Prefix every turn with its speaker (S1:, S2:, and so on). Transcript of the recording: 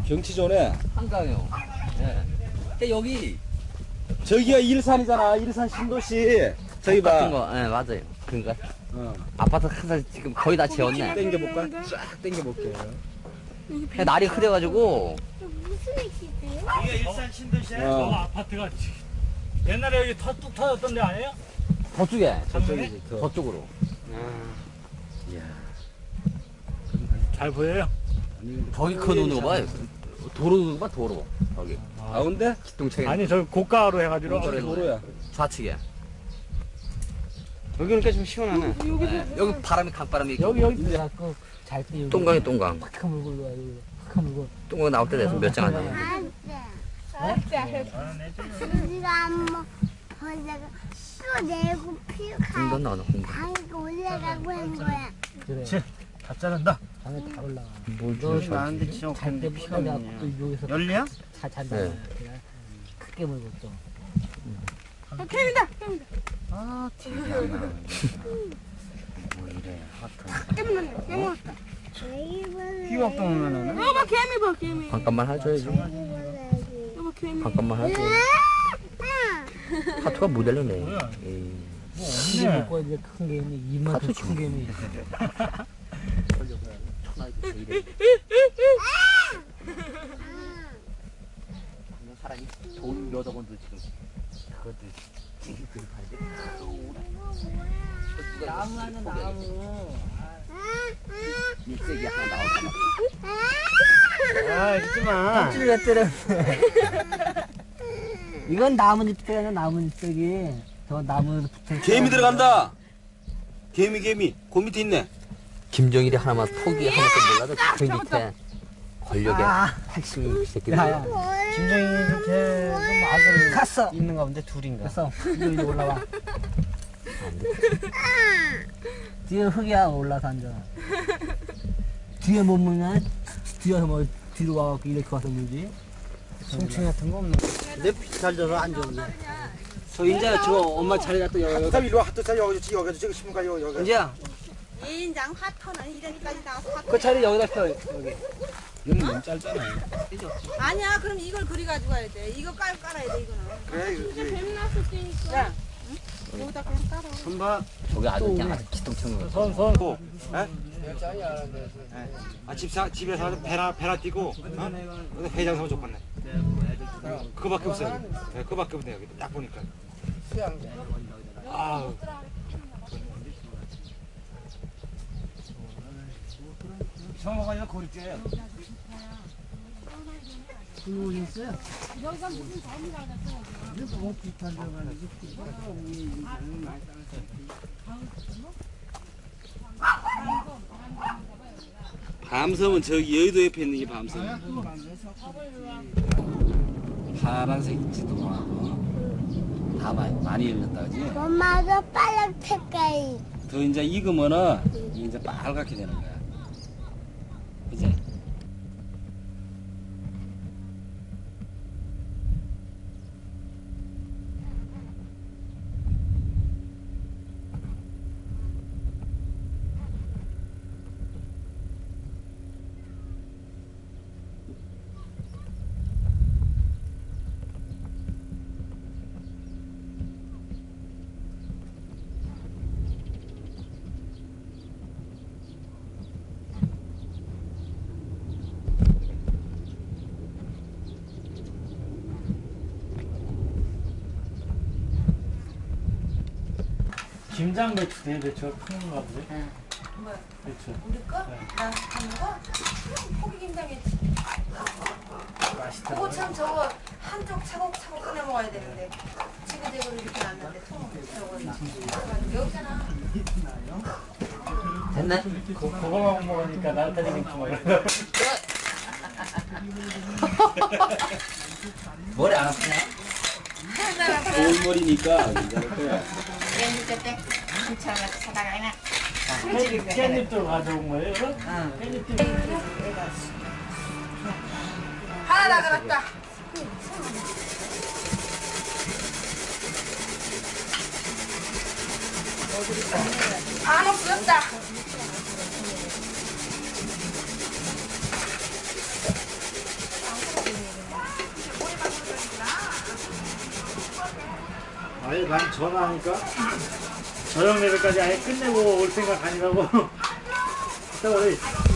S1: 경치 좋네.
S2: 한강이요. 예. 근데 여기
S1: 저기가 일산이잖아. 일산 신도시. 저기
S2: 같은
S1: 봐.
S2: 거, 예, 맞아요. 그러니까
S1: 어.
S2: 아파트 항상 지금 거의 다 지었네.
S1: 땡겨볼까? 쫙 땡겨볼게요.
S2: 근데 날이 흐려가지고
S3: 무슨 액기세요?
S4: 이게 일산 신도시에
S1: 어.
S4: 저 아파트가 옛날에 여기 뚝 터졌던 데 아니에요?
S2: 저쪽에
S1: 저쪽이지. 더.
S2: 저쪽으로.
S1: 이야.
S4: 잘 보여요?
S1: 아니, 근데
S2: 저기 큰 오는 거 봐요. 도로 봐 도로. 저기
S1: 가운데?
S2: 기동차에
S4: 아니 저 고가로 해가지고
S1: 도로야.
S2: 좌측에.
S1: 여기니까 좀 시원하네.
S2: 예, 여기 바람이 강바람이
S4: 여기
S5: 그래갖고 잘때 여기
S2: 똥강이 똥강.
S5: 탁 물고 일로 와 여기 탁 물고
S2: 똥강 나올 때 돼서 몇 장 안 돼.
S3: 우리가 한번 벌레가 또 내고 피우가
S2: 공단 나오나 공단.
S3: 방에 올라가고 한 거야.
S5: 그래
S4: 다 자른다.
S5: 방에 다 올라가
S2: 뭘
S1: 너
S2: 주셔?
S1: 나는데 진짜
S5: 잘때 피가 나고 여기서
S4: 열리야?
S5: 잘 잔다
S2: 네.
S5: 그냥 크게 물고 또
S1: 아, TV 안 나오네. 뭐 이래. 하트. 휘각도 오면은.
S3: 여봐 개미 봐 개미.
S2: 잠깐만 해줘야지.
S3: 여봐 개미.
S2: 잠깐만 해줘. 하트가 못 열리네. 에이.
S5: 이게 먹고 이제 큰 개미 이만큼 큰 개미
S2: 사람이 돈 몇억 원도 지금 그것들 지금
S5: 나무 하는 나무
S2: 일색이 하나 나오잖아.
S1: 아, 잊지 마.
S5: 껍질을 왜 때려 이건 나뭇잎이 아니라 나뭇잎이 저 나무에 붙어
S1: 개미 들어간다. 개미. 그 밑에 있네.
S2: 김정일이 하나만 포기 하나도 몰라도 그 밑에 권력의 핵심 새끼들.
S5: 야야
S1: 김정희 밑에 좀 아들
S5: 갔어
S1: 있는가 본데 둘인가.
S5: 됐어 이리 올라와 뒤에 흙이야 올라서 앉아 뒤에 못 물냐 뒤에서 뭐 뒤로 와갖고 이렇게 와서 물지
S1: 송충 같은 거 없나?
S5: 내 잘 져서 안 좋은데 저 이제 저 엄마 자리가 또 여기
S6: 자, 이리 와. 또 여기 지금 신문가 여기.
S5: 이제야
S7: 2인장 화터는 이래까지 나와서 화터.
S5: 그 자리 여기다 펴 여기
S1: 이건 너무 짧잖아.
S7: 아니야, 그럼 이걸 그리 가지고 가야 돼. 이거 깔아야 돼, 이거는.
S6: 그래.
S3: 뱀 났을 때니까.
S7: 야, 응? 여기다 그냥 깔아.
S1: 손봐.
S2: 저기 아주 그냥 아주 기똥차는 거.
S4: 손.
S6: 집에서 배나 띄고, 회장 사면 좋겠네. 그거밖에 없어요. 네, 그거밖에 없네요. 여기 딱 보니까. 아,
S1: 성호가 이거 고립돼요.
S8: 밤섬은 저기 여의도 옆에 있는 게 밤섬.
S1: 파란색 있지도 않고 다 많이 열렸다 그지?
S3: 엄마가 빨간 색깔이.
S1: 더 이제 익으면은 이제 빨갛게 되는 거야. 그지?
S4: 김장 배추 대배추가 큰 건가 보지?
S7: 뭐야?
S4: 배추.
S7: 우리 거? 나 하는 거? 포기 김장했지. 그거 참 저거 한쪽 차곡차곡 꺼내 먹어야 되는데 지그재그로 이렇게 놨는데 통 저거 여기잖아.
S2: 됐네?
S4: 그거만 먹으니까 날타리 김치 막 이러고.
S2: 머리 안 아프냐?
S1: 좋은 머리니까 괜찮을 거야.
S4: 깻잎도 가져온 거예요? 이거? 깻잎도.
S7: 하나 나가봤다. 안 없어졌다.
S4: 아니 난 전화하니까 저녁 레벨까지 아예 끝내고 올 생각 아니라고. 이따 우리